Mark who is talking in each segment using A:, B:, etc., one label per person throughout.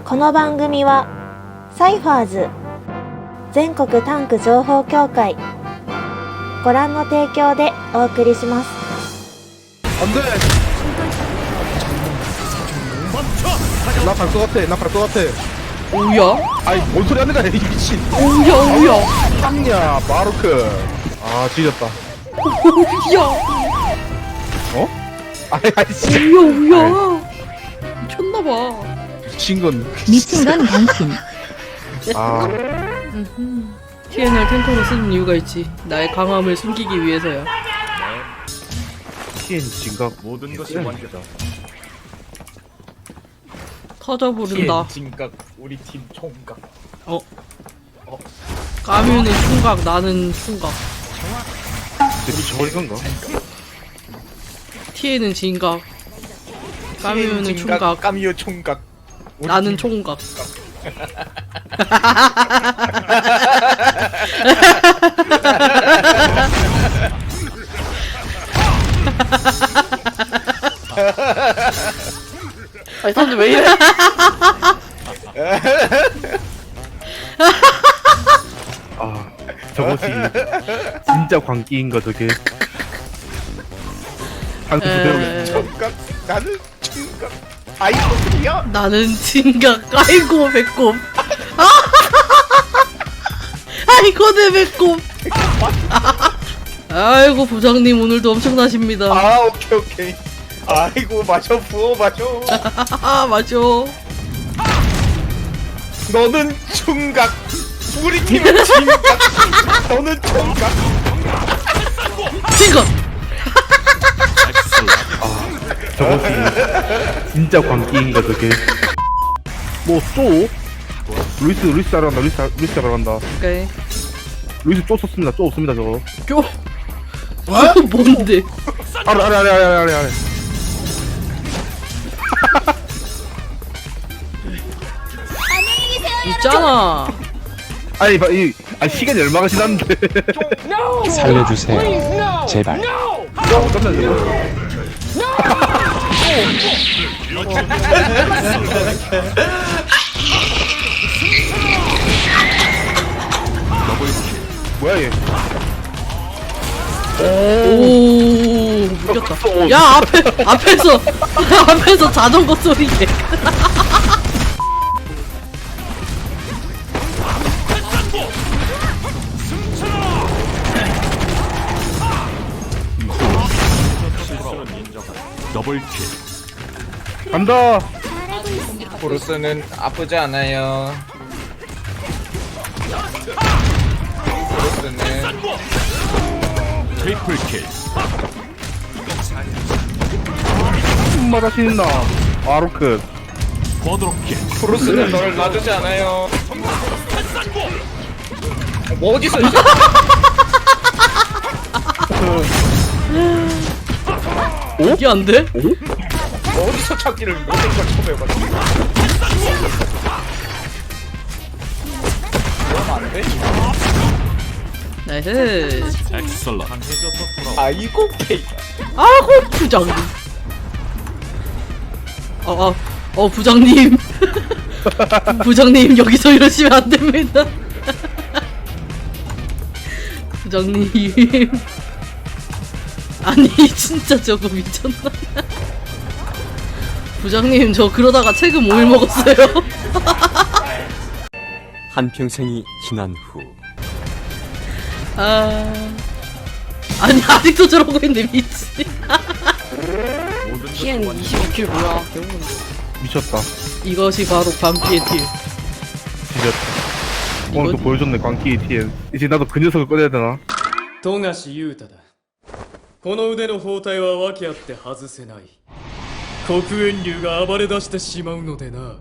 A: この番組はサイファーズ全国タンク情報協会ご覧の提供でお送りします。
B: 안돼. 나 갈 것 같아. 나 갈 것 같아.
C: 오야?
B: 아이 뭔 소리 하는 거야 이 미친.
C: 오야?
B: 쌍냐 마루크. 아 지렸다.
C: 오야?
B: 어? 아이씨.
C: 오야? 미쳤나봐.
B: 미친 건.
D: 미친 건 당신.
B: 아
C: TN을 탱커로 쓰는 이유가 있지. 나의 강함을 숨기기 위해서야.
B: TN 진각
E: 모든 것이 완료다.
C: 터져 부른다.
E: 진각 우리 팀 총각.
C: 까뮤는 총각, 나는 총각.
B: 저리 건가?
C: TN은 진각. 까뮤는 총각.
E: 까미오 총각. 우리
C: 나는
E: 팀
C: 총각. 아니 사람들 왜 이래?
B: 아 저것이 진짜 광기인가 저게. 한 그대로.
E: 총각. 나는 총각. 아이고야.
C: 나는 진각. 아이고 배꼽. 아이고 내 배꼽. 아이고 부장님 오늘도 엄청나십니다.
E: 아 오케이. 아이고 마셔 부어 마셔.
C: 맞아.
E: 너는 총각. 우리 팀은 진각. 너는 총각.
C: 진각.
B: 저것이 진짜 광기인가 저게. 뭐 쏘? 루이스 따라간다. 루이스 따라간다.
C: 오케이.
B: 루이스 또 썼습니다. 또 없습니다 저거.
C: 교. 뭔데?
B: 아래.
C: 있잖아.
B: 아니 시간이 얼마가 지났는데.
F: 살려주세요. 제발.
B: 깜짝 놀랐어. 뭐야 얘?
C: 오, 이겼다. 야, 앞에서 자전거 소리 내.
E: 더블킬.
B: 간다.
E: 보루스는 아프지 않아요. 보루스는 트리플킬.
B: 마다 신나. 아로크.
E: 쿼드로킬. 보루스는 너를 놔두지 않아요. 뭐 어디서 이제
C: 이게 안 돼?
E: 어디서 찾기를 못한 걸 처음 해가지고. 그러면 안 돼?
C: 나이스.
E: 아이고 케이.
C: 아고 부장님. 부장님. 부장님 여기서 이러시면 안 됩니다. 부장님. 아니 진짜 저거 미쳤나? 부장님 저 그러다가 책임 5일 먹었어요.
F: 한평생이 지난 후
C: 아니 아직도 저러고 있는데 미치. TN 25킬 뭐야?
B: 미쳤다.
C: 이것이 바로 광기의 딜.
B: 지렸다. 오늘 또 보여줬네 광기 TN. 이제 나도 그 녀석을 꺼내야 되나?
G: 富樫勇太だ。この腕の包帯は訳あって外せない。黒煙竜が暴れ出してしまうのでな。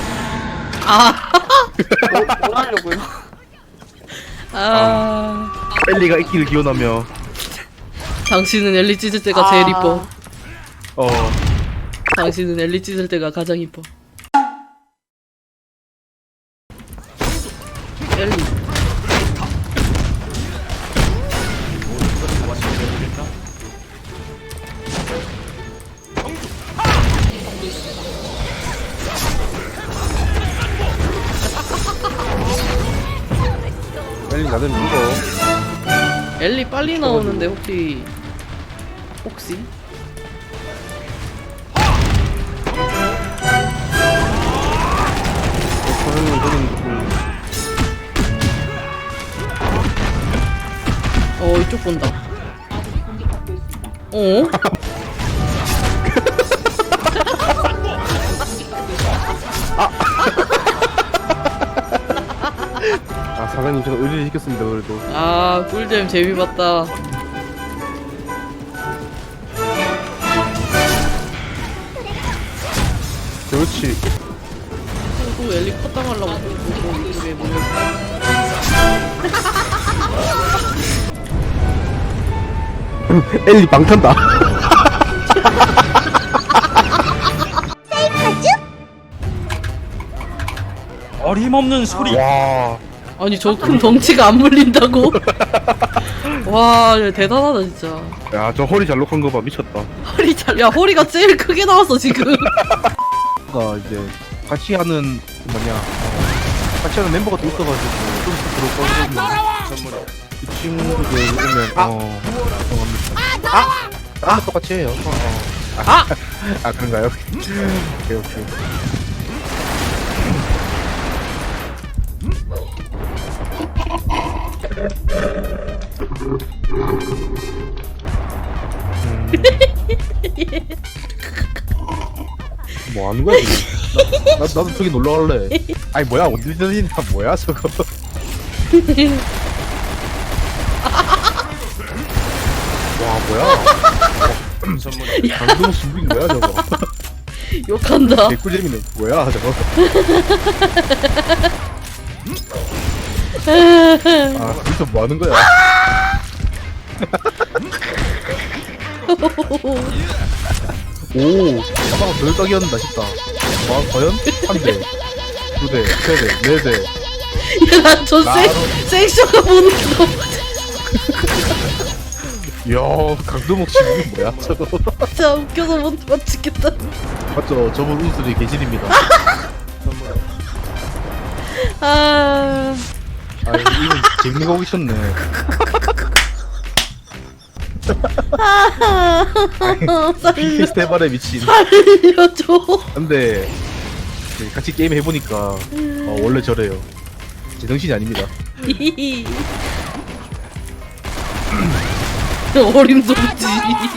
B: 엘리가 있기를 기원하며.
C: 당신은 엘리 찢을 때가 제일 이뻐.
B: 어.
C: 당신은 엘리 찢을 때가 가장 이뻐. 엘리.
B: 빨리 나는 이거.
C: 엘리 빨리 나오는데 혹시 이쪽 본다.
B: 아 사장님 제가 의뢰를 시켰습니다 그래도.
C: 아 꿀잼 재미봤다.
B: 그렇지.
C: 또 엘리 컷당하려고 이쪽에 몰려.
B: 엘리 방탄다.
D: 어림없는 소리.
B: 와.
C: 아니 저 큰 덩치가 안 물린다고? 와 대단하다 진짜.
B: 야 저 허리 잘록한 거 봐 미쳤다.
C: 야 허리가 제일 크게 나왔어 지금.
B: 가 이제 같이 하는 같이 하는 멤버가 또 있어가지고 좀 들어거든요. 그 친구들 오면 죄송합니다. 똑같이 해요. 그런가요? 오케이. 뭐 하는 거야 지금? 나도 저기 놀러 갈래. 아니 뭐야 언제전이냐 뭐야 저거. 와 뭐야? 방금 준비인 거야 저거?
C: 욕한다.
B: 개꿀잼이네. 뭐야 저거? 아 여기서 뭐 하는 거야? 오, 가방 덜 떡이었는다 싶다. 와, 과연? 한 대, 두 대, 세 대, 네 대.
C: 야저 섹션가 보는 거.
B: 이야, 강도목 씨이 뭐야 저거?
C: 진짜 웃겨서 못 맞추겠다.
B: 맞죠? 저분 우수리 계실입니다.
C: 아
B: 이분 재밌는 거 오셨네. 피케스트 해발에 미친.
C: 살려줘.
B: 근데 같이 게임 해보니까 원래 저래요. 제정신이 아닙니다.
C: 어림도 없지.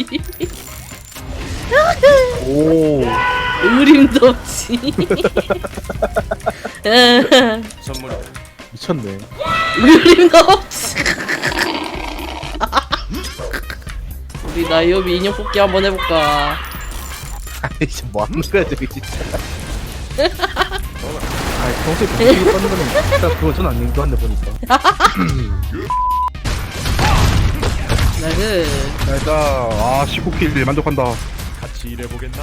B: 오,
C: 의림도 없지.
B: 미쳤네.
C: 의림도 없지. 우리 나이오비 인형 뽑기 한번 해볼까?
B: 아이 뭐 하는 거야 저기 진짜. 평소에 공격이 받는 거는 일단 그건 전 아닌 거 같네 보니까.
C: 나그
B: 자 일단 19킬 만족한다.
D: 같이 일해보겠나?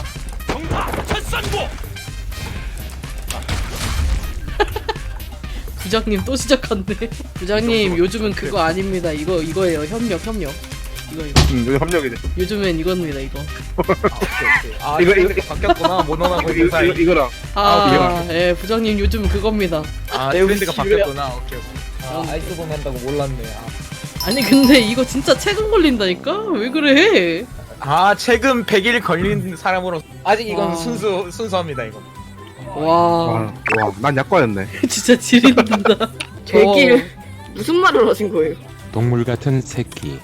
C: 부장님 또 시작한대. 부장님 요즘은 그거 아닙니다. 이거예요. 협력. 이거요.
B: 여기 합력이네.
C: 요즘엔 이겁니다. 이거.
E: 아
B: 이거
E: 바뀌었구나. 모노나고 있는 사이.
B: 이거랑
C: 예, 부장님 요즘 그겁니다.
E: 아 트렌드가 바뀌었구나. 오케이. 아이스본 한다고 몰랐네.
C: 아니 근데 이거 진짜 최근 걸린다니까? 왜 그래?
E: 최근 100일 걸린 사람으로 아직 이건
C: 와.
E: 순수합니다 이거.
C: 와,
B: 난 약과였네.
C: 진짜 지린다.
H: 100일 무슨 말을 하신 거예요?
F: 동물 같은 새끼.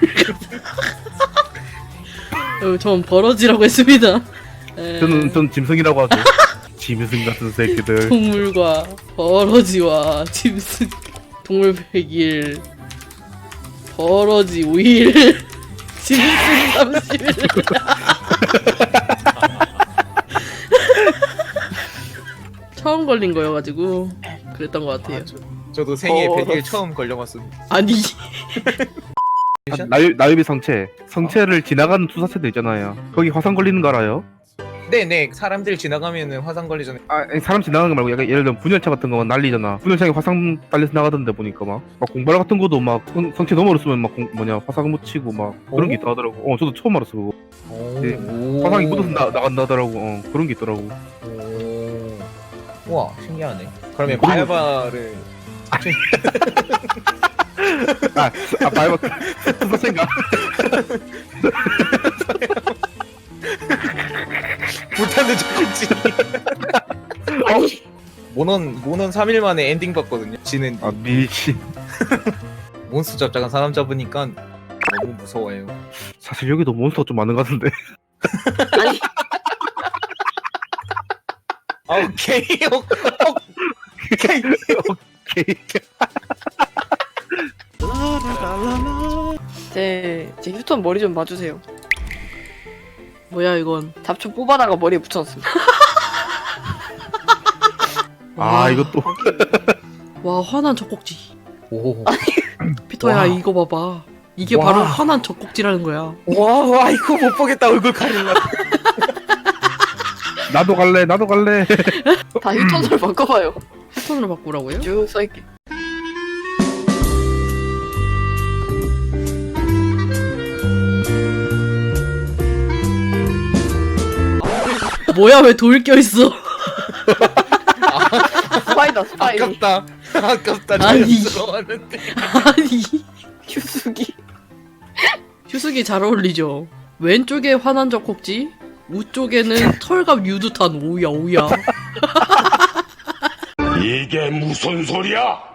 C: 전 버러지라고 했습니다.
B: 전 짐승이라고 하죠. 짐승 같은 새끼들.
C: 동물과 버러지와 짐승. 동물 100일, 버러지 5일, 짐승 30일. 처음 걸린 거여가지고 그랬던 것 같아요.
E: 저도 생애 100일 처음 걸려봤습니다.
C: 아니
B: 나유비 성체를 지나가는 투사체도 있잖아요. 거기 화상 걸리는 거 알아요?
E: 네네 사람들 지나가면은 화상 걸리잖아요.
B: 아니, 사람 지나가는 거 말고 약간 예를 들면 분열차 같은 거만 날리잖아. 분열차에 화상 딸려서 나가던데 보니까 막 공발 같은 거도 막 성체 너머로 쓰면 막 화상 묻히고 막 그런 게 있다 하더라고. 저도 처음 알았어 그거. 네, 화상이 묻어서 나간다 하더라고. 그런 게 있더라고.
E: 우와 신기하네. 그러면 바야바를
B: 말고 생각.
E: 불타는 젖꼭지.
H: 아니
E: 모넌 3일 만에 엔딩 봤거든요. 지는
B: 아 미친.
E: 몬스터 잡자간 사람 잡으니까 너무 무서워요.
B: 사실 여기도 몬스터 좀 많은 것 같은데.
H: 아니
E: 아, 오케이. 오케이.
B: 오케이.
H: 제 휴톤 머리 좀 봐주세요.
C: 뭐야 이건.
H: 잡초 뽑아다가 머리에 붙여놨습니다.
B: 아 이것도.
C: 와 화난 젖꼭지.
E: 오.
C: 피터야
E: 와.
C: 이거 봐봐. 이게
E: 와.
C: 바로 화난 젖꼭지라는 거야.
E: 와 이거 못 보겠다. 얼굴 가릴라.
B: 나도 갈래.
H: 다 휴톤으로 바꿔봐요.
C: 패턴으로 바꾸라고요?
H: 쭉 써있게.
C: 뭐야 왜 돌 껴있어?
H: 스파이다 스파이.
E: 아깝다.
C: 아니.
E: 자연스러워하는데.
C: 아니
H: 휴수기.
C: 휴수기 잘 어울리죠. 왼쪽에 화난 젖꼭지, 우쪽에는 털갑 유두탄. 오야.
D: 이게 무슨 소리야?